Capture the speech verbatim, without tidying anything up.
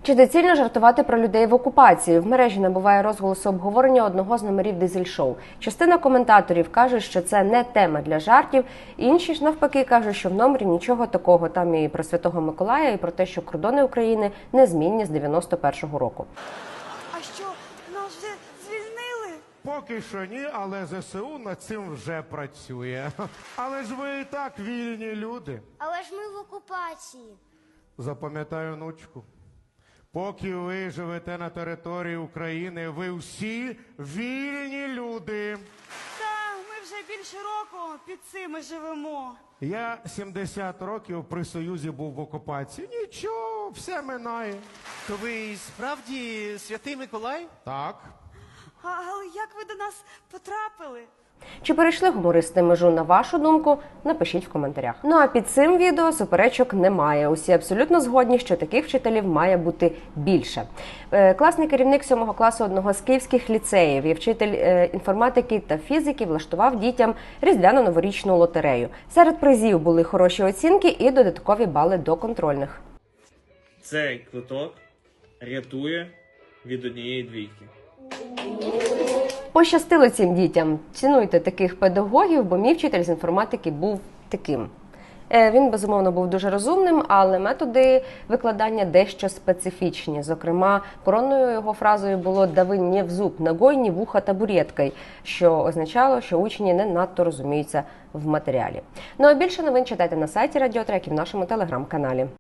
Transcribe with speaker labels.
Speaker 1: Чи доцільно жартувати про людей в окупації? В мережі набуває розголосу обговорення одного з номерів дизель-шоу. Частина коментаторів каже, що це не тема для жартів, інші ж навпаки кажуть, що в номері нічого такого. Там і про Святого Миколая, і про те, що кордони України незмінні з дев'яносто першого року.
Speaker 2: А що, нас вже звільнили?
Speaker 3: Поки що ні, але ЗСУ над цим вже працює. Але ж ви і так вільні люди.
Speaker 4: Але ж ми в окупації.
Speaker 3: Запам'ятаю, внучку. Поки ви живете на території України, ви всі вільні люди.
Speaker 2: Та, ми вже більше року під цими живемо.
Speaker 3: Я сімдесят років при Союзі був в окупації. Нічого, все минає.
Speaker 5: То ви справді Святий Миколай?
Speaker 3: Так.
Speaker 2: А, але як ви до нас потрапили?
Speaker 1: Чи перейшли гумористи межу, на вашу думку? Напишіть в коментарях. Ну а під цим відео суперечок немає. Усі абсолютно згодні, що таких вчителів має бути більше. Класний керівник сьомого класу одного з київських ліцеїв і вчитель інформатики та фізики влаштував дітям різдвяно-новорічну лотерею. Серед призів були хороші оцінки і додаткові бали до контрольних.
Speaker 6: Цей квиток рятує від однієї двійки.
Speaker 1: Пощастило цим дітям. Цінуйте таких педагогів, бо мій вчитель з інформатики був таким. Він, безумовно, був дуже розумним, але методи викладання дещо специфічні. Зокрема, коронною його фразою було «дави не в зуб, ногой, не вуха табуреткой», що означало, що учні не надто розуміються в матеріалі. Ну а більше новин читайте на сайті Радіотрек і в нашому телеграм-каналі.